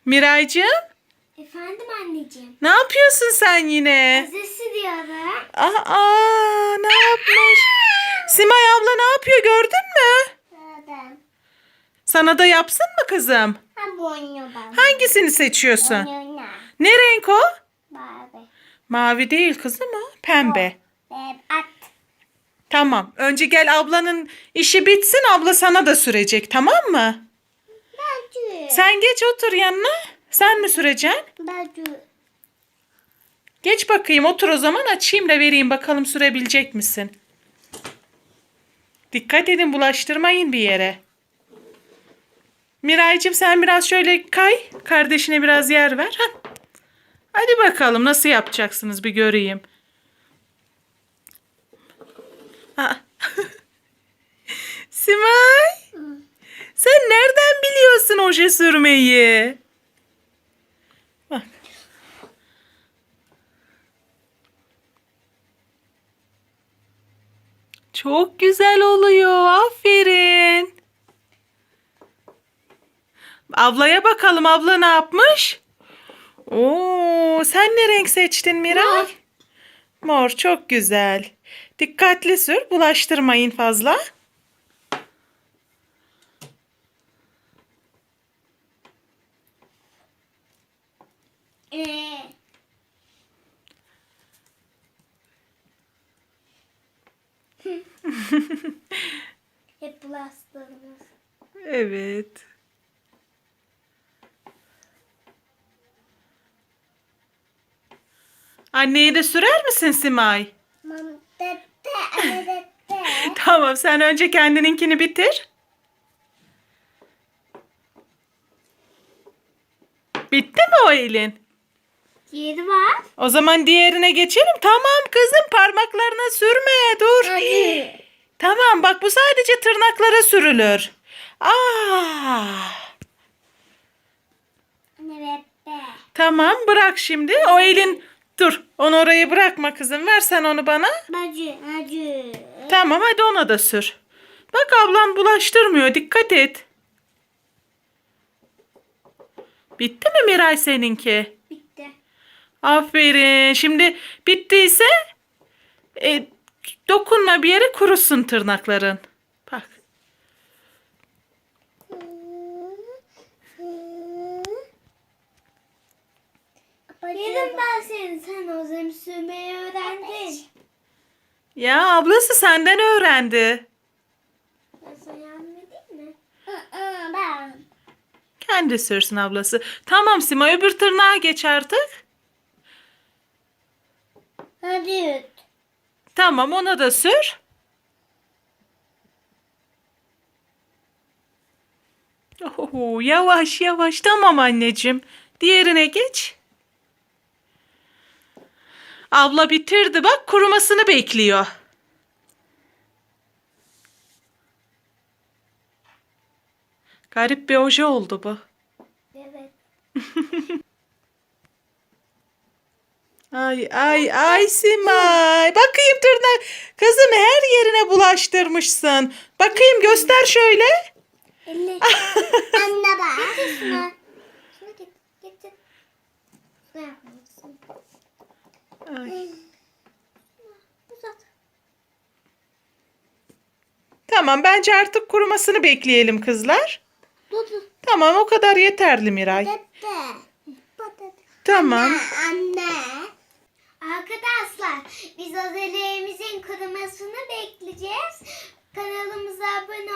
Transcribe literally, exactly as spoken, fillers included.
Miraycığım, Efendim anneciğim. ne yapıyorsun sen yine? Azesi diyorum. Aa, ne yapmış? Simay abla ne yapıyor gördün mü? Adam. Sana da yapsın mı kızım? Ha bu oynuyor bana. Hangisini seçiyorsun? Oynuyor. Ne renk o? Barbie. Mavi değil kızım o. Pembe. Ve at. Tamam. Önce gel ablanın işi bitsin. Abla sana da sürecek, tamam mı? Bacı. Sen geç otur yanına. Sen mi süreceksin? Bacı. Geç bakayım otur o zaman, açayım da vereyim bakalım sürebilecek misin? Dikkat edin, bulaştırmayın bir yere. Miraycığım sen biraz şöyle kay. Kardeşine biraz yer ver. Hah. Hadi bakalım nasıl yapacaksınız bir göreyim. Aa. Simay. Sen nereden biliyorsun oje sürmeyi? Bak. Çok güzel oluyor. Aferin. Ablaya bakalım, abla ne yapmış? Oo, sen ne renk seçtin Miray? Mor. Mor, çok güzel. Dikkatli sür, bulaştırmayın fazla. Ee. Hep bulaştırmış. Evet. Anneyi de sürer misin Simay? Mam dede, anne dede. Tamam, sen önce kendininkini bitir. Bitti mi o elin? Yeri var. O zaman diğerine geçelim. Tamam kızım, parmaklarına sürme. Dur. Hadi. Tamam bak, bu sadece tırnaklara sürülür. Aa. Anne dede. Tamam, bırak şimdi. O elin, dur. Onu oraya bırakma kızım. Ver sen onu bana. Bacı, bacı. Tamam, hadi ona da sür. Bak ablan bulaştırmıyor. Dikkat et. Bitti mi Miray seninki? Bitti. Aferin. Şimdi bittiyse e, dokunma bir yere, kurusun tırnakların. Bak. Yedim ben seni. Sen o zaman sürmeyi öğrendin. Ya ablası senden öğrendi. Ben sana yardım edeyim mi? Ben. Kendi sürsün ablası. Tamam Sima, öbür tırnağa geç artık. Hadi. Tamam, ona da sür. Oho, yavaş yavaş. Tamam anneciğim. Diğerine geç. Abla bitirdi bak, kurumasını bekliyor. Garip bir oje oldu bu. Evet. Ay ay ay Simay. Bakayım tırnak. Kızım her yerine bulaştırmışsın. Bakayım, göster şöyle. Elle. Anne bak. Getir şunu. Şunu getir. Getir. Ne yapmalısın? Ay. Uzat. Tamam, bence artık kurumasını bekleyelim kızlar. Dur dur. Tamam, o kadar yeterli Miray. Dede. Dede. Tamam. Anne. Arkadaşlar biz özellerimizin kurumasını bekleyeceğiz. Kanalımıza abone